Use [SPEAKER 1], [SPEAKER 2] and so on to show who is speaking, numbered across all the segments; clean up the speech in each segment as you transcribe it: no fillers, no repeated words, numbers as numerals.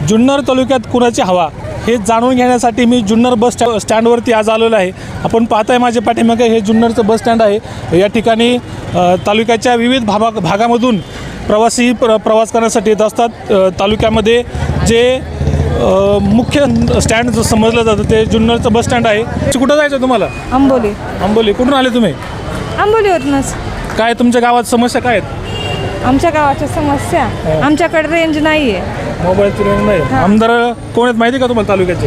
[SPEAKER 1] जुन्नर तालुक्यात कुणाची हवा हे जाणून घेण्यासाठी मी जुन्नर बस स्टँडवरती आज आलेलो आहे. आपण पाहताय माझ्या पाठीमागे हे जुन्नरचं बस स्टँड आहे. या ठिकाणी तालुक्याच्या विविध भागामधून प्रवासी प्रवास करण्यासाठी येत असतात. तालुक्यामध्ये जे मुख्य स्टँड समजलं जातं ते जुन्नरचं बस स्टँड आहे. कुठं जायचं तुम्हाला?
[SPEAKER 2] आंबोली.
[SPEAKER 1] आंबोली. कुठून आले तुम्ही?
[SPEAKER 2] आंबोलीवरूनच.
[SPEAKER 1] काय तुमच्या गावात समस्या काय आहेत?
[SPEAKER 2] आमच्या गावाच्या समस्या, आमच्याकडे रेंज नाही आहे.
[SPEAKER 1] मोबाईलची रेंज नाही. आमदार कोण आहेत माहिती का तुम्हाला तालुक्याचे?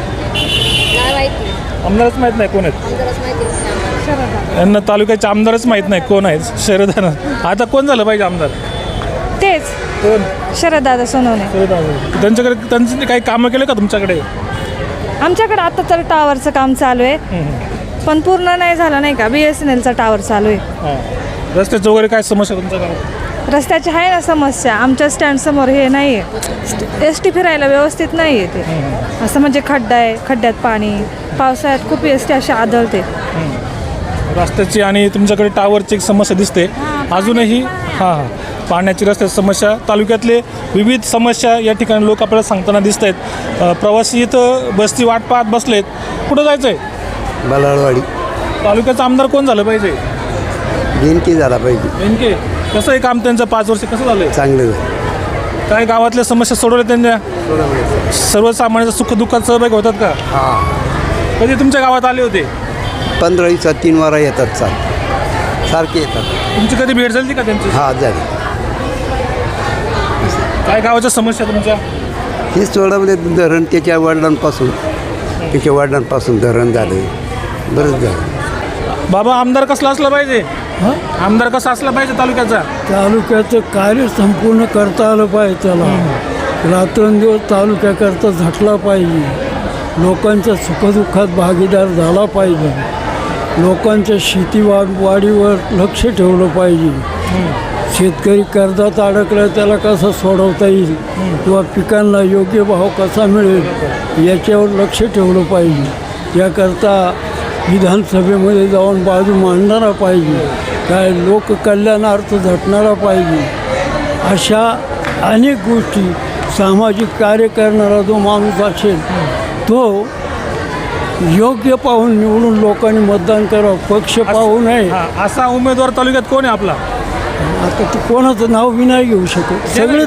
[SPEAKER 1] आमदारच माहीत नाही कोण आहेत. यांना तालुक्याचे आमदारच माहीत नाही कोण आहेत. शरद. आता कोण झालं पाहिजे आमदार?
[SPEAKER 2] तेच
[SPEAKER 1] कोण?
[SPEAKER 2] शरददादा सोनवणे.
[SPEAKER 1] त्यांच्याकडे त्यांनी काही कामं केले का तुमच्याकडे?
[SPEAKER 2] आमच्याकडे आता तर टावरचं काम चालू आहे, पण पूर्ण नाही झालं नाही का. BSNLचा टावर चालू आहे.
[SPEAKER 1] रस्त्याचं वगैरे काय समस्या तुमच्या गावात?
[SPEAKER 2] रस्त्याची आहे ना समस्या. आमच्या स्टँडसमोर हे नाही आहे, ST फिरायला व्यवस्थित नाही आहे ते. असं म्हणजे खड्डा आहे, खड्ड्यात पाणी, पावसाळ्यात खूप ST अशी आदळते.
[SPEAKER 1] रस्त्याची आणि तुमच्याकडे टावरची एक समस्या दिसते अजूनही. हां, पाण्याची रस्त्याची समस्या, तालुक्यातले विविध समस्या या ठिकाणी लोक आपल्याला सांगताना दिसत आहेत. प्रवासी इथं बसची वाट पाहत बसलेत. कुठं जायचं आहे?
[SPEAKER 3] बलाळवाडी.
[SPEAKER 1] तालुक्याचा आमदार कोण झालं पाहिजे?
[SPEAKER 3] बेनके झाला पाहिजे.
[SPEAKER 1] नेमके कसं आहे काम त्यांचं? 5 वर्ष कसं झालं?
[SPEAKER 3] चांगलं.
[SPEAKER 1] काय गावातल्या समस्या सोडवल्या त्यांच्या? सर्वसामान्यांच्या सुखदुःखात सहभागी होतात का?
[SPEAKER 3] हां,
[SPEAKER 1] कधी तुमच्या गावात आले होते?
[SPEAKER 3] 15 दिवसात 3 वारा येतात. सारखे येतात.
[SPEAKER 1] तुमची कधी भेट झाली का त्यांची?
[SPEAKER 3] हा, झाली.
[SPEAKER 1] काय गावाच्या समस्या तुमच्या?
[SPEAKER 3] ही सोडवले. धरण त्याच्या वडिलांपासून धरण झालं. बरंच झालं.
[SPEAKER 1] बाबा, आमदार कसला असला पाहिजे? आमदार कसा असला पाहिजे तालुक्याचा?
[SPEAKER 4] तालुक्याचं कार्य संपूर्ण करता आलं पाहिजे. त्याला रात्रंदिवस तालुक्याकरता झटला पाहिजे. लोकांच्या सुखदुःखात भागीदार झाला पाहिजे. लोकांच्या वाढीवर लक्ष ठेवलं पाहिजे. शेतकरी कर्जात अडकला त्याला कसं सोडवता येईल किंवा पिकांना योग्य भाव कसा मिळेल याच्यावर लक्ष ठेवलं पाहिजे. याकरता विधानसभेमध्ये जाऊन बाजू मांडणारा पाहिजे. काय लोककल्याणार्थ झटणारा पाहिजे. अशा अनेक गोष्टी सामाजिक कार्य करणारा जो माणूस असेल तो योग्य पाहून निवडून लोकांनी मतदान करावं. पक्ष पाहू नये.
[SPEAKER 1] असा उमेदवार तालुक्यात कोण आहे आपला?
[SPEAKER 4] आता ते कोणाचं नाव बी नाही घेऊ शकत. सगळे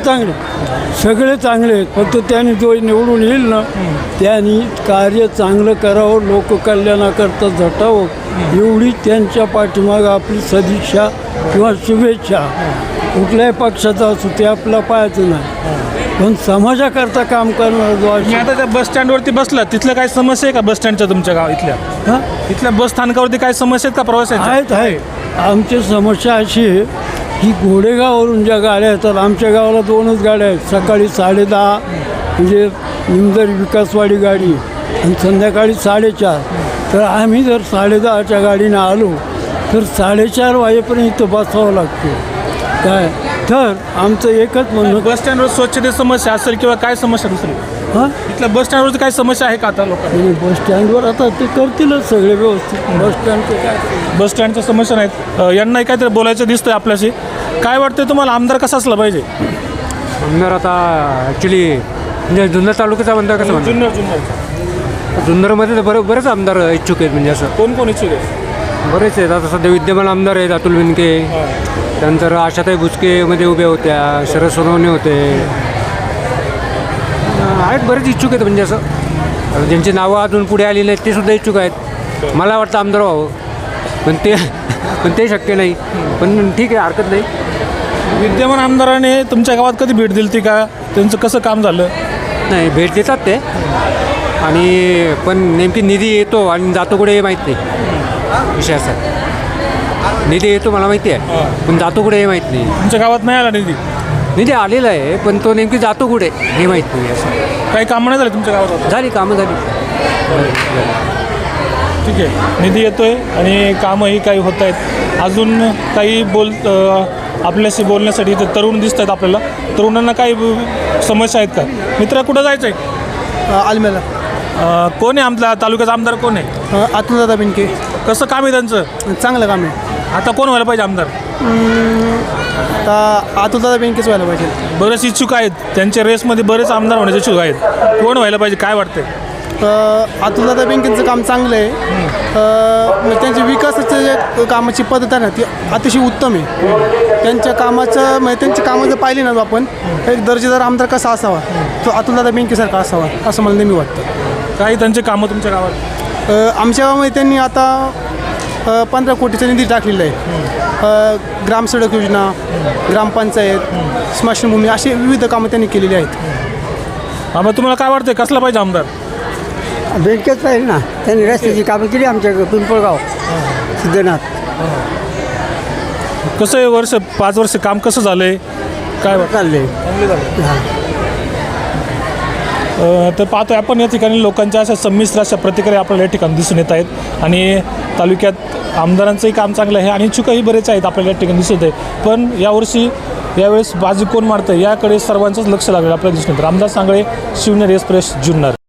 [SPEAKER 4] चांगले आहेत. फक्त त्यांनी जो निवडून येईल ना त्यांनी कार्य चांगलं करावं, लोककल्याणाकरता झटावं, एवढी त्यांच्या पाठीमागं आपली सदिच्छा किंवा शुभेच्छा. कुठल्याही पक्षाचा असू ते आपला पाहायचं नाही, पण समाजाकरता काम करणार जो
[SPEAKER 1] मी आता त्या बस स्टँडवरती बसला, तिथलं काय समस्या आहे का बस स्टँडच्या तुमच्या गाव इथल्या? इथल्या बस स्थानकावरती काय समस्या आहेत का प्रवासाच्या?
[SPEAKER 4] आहे. आमची समस्या अशी आहे की घोडेगाववरून ज्या गाड्या येतात, आमच्या गावाला 2च गाड्या आहेत. सकाळी 10:30 म्हणजे निमदर विकासवाडी गाडी आणि संध्याकाळी 4:30. तर आम्ही जर 10:30च्या गाडीनं आलो तर 4:30 वाजेपर्यंत इथं बसावं लागतं. काय तर आमचं एकच म्हणणं,
[SPEAKER 1] बस स्टँडवर स्वच्छतेची समस्या असेल किंवा काय समस्या दुसरी? इथल्या बस स्टँडवरती काय समस्या आहे का आता लोकांना?
[SPEAKER 4] बस स्टँडवर आता ते करतीलच सगळे व्यवस्थित. बस स्टँडचं काय,
[SPEAKER 1] बस स्टँडच्या समस्या नाहीत. यांनाही काहीतरी बोलायचं दिसतंय आपल्याशी. काय वाटतंय तुम्हाला, आमदार कसा असला पाहिजे?
[SPEAKER 5] आमदार आता ॲक्च्युली म्हणजे जुन्नर तालुक्याचा आमदार कसं म्हणतात, जुन्नरमध्ये तर बरेच आमदार इच्छुक आहेत. म्हणजे असं
[SPEAKER 1] कोण इच्छुक आहे?
[SPEAKER 5] बरेच आहेत. आता सध्या विद्यमान आमदार आहेत अतुल बेनके, त्यानंतर आशाताई बुचकेमध्ये उभ्या होत्या, शरद सोनवणे होते. आहेत बरेच इच्छुक आहेत. म्हणजे असं ज्यांची नावं अजून पुढे आली नाहीत ते सुद्धा इच्छुक आहेत. मला वाटतं आमदार व्हावं, पण ते शक्य नाही. पण ठीक आहे, हरकत नाही.
[SPEAKER 1] विद्यमान आमदाराने तुमच्या गावात कधी भेट दिली ती का? त्यांचं कसं काम झालं?
[SPEAKER 5] नाही, भेट देतात ते, आणि पण नेमकी निधी येतो आणि जातो कुठे हे माहीत नाही. विषय असा, निधी येतो मला माहिती आहे, पण जातो कुठे हे माहीत नाही.
[SPEAKER 1] तुमच्या गावात नाही आला निधी
[SPEAKER 5] आलेला आहे, पण तो नेमकी जातो कुठे हे माहीत नाही. असं
[SPEAKER 1] काही कामं नाही झाली तुमच्या गावात?
[SPEAKER 5] झाली कामं झाली.
[SPEAKER 1] ठीक आहे, निधी येतोय आणि कामंही काही होत आहेत. अजून काही आपल्याशी बोलण्यासाठी इथे तरुण दिसत आहेत आपल्याला. तरुणांना काही समस्या आहेत का? मित्र, कुठं जायचं आहे?
[SPEAKER 6] आलमेला.
[SPEAKER 1] कोण आहे आपला तालुक्याचा आमदार? कोण आहे?
[SPEAKER 6] अतुलदादा बेनके.
[SPEAKER 1] कसं काम आहे त्यांचं?
[SPEAKER 6] चांगलं काम आहे.
[SPEAKER 1] आता कोण व्हायला पाहिजे आमदार?
[SPEAKER 6] तर अतुलदादा बेनकेच व्हायला पाहिजे.
[SPEAKER 1] बरेच इच्छुक आहेत, त्यांच्या रेसमध्ये बरेच आमदार होण्याचे इच्छुक आहेत. कोण व्हायला पाहिजे काय वाटतंय?
[SPEAKER 6] अतुलदादा बेनकेंचं काम चांगलं आहे. म्हणजे त्यांची विकासाचं जे कामाची पद्धत आहे ना ती अतिशय उत्तम आहे. त्यांच्या कामाचं म्हणजे त्यांची कामं जर पाहिली ना आपण एक दर्जेदार आमदार कसा असावा तो अतुलदादा बेनकेसारखा असावा असं मला नेहमी वाटतं.
[SPEAKER 1] काही त्यांचे कामं तुमच्या गावात?
[SPEAKER 6] आमच्या गावामध्ये त्यांनी आता 15 कोटीचा निधी टाकलेला आहे. ग्रामसडक योजना, ग्रामपंचायत, स्मशानभूमी अशी विविध कामं त्यांनी केलेली आहेत.
[SPEAKER 1] मग तुम्हाला काय वाटतंय कसला पाहिजे आमदार?
[SPEAKER 7] बेनकेच पाहिजे ना. त्यांनी रस्त्याची कामं केली आमच्या पिंपळगाव सिद्धनाथ.
[SPEAKER 1] कसं आहे वर्ष 5 वर्ष काम कसं झालंय काय वाटतं?
[SPEAKER 7] चालले.
[SPEAKER 1] तर पाहतोय आपण या ठिकाणी लोकांच्या अशा संमिश्र अशा प्रतिक्रिया आपल्याला या ठिकाणी दिसून येत आहेत आणि तालुक्यात आमदारांचंही काम चांगलं आहे आणि इच्छुकही बरेच आहेत आपल्याला या ठिकाणी दिसत आहे. पण यावेळेस बाजी कोण मारतं याकडे सर्वांचंच लक्ष लागलेलं आपल्याला दिसून येतं. रामदास सांगळे, शिवनेरी एक्सप्रेस, जुन्नर.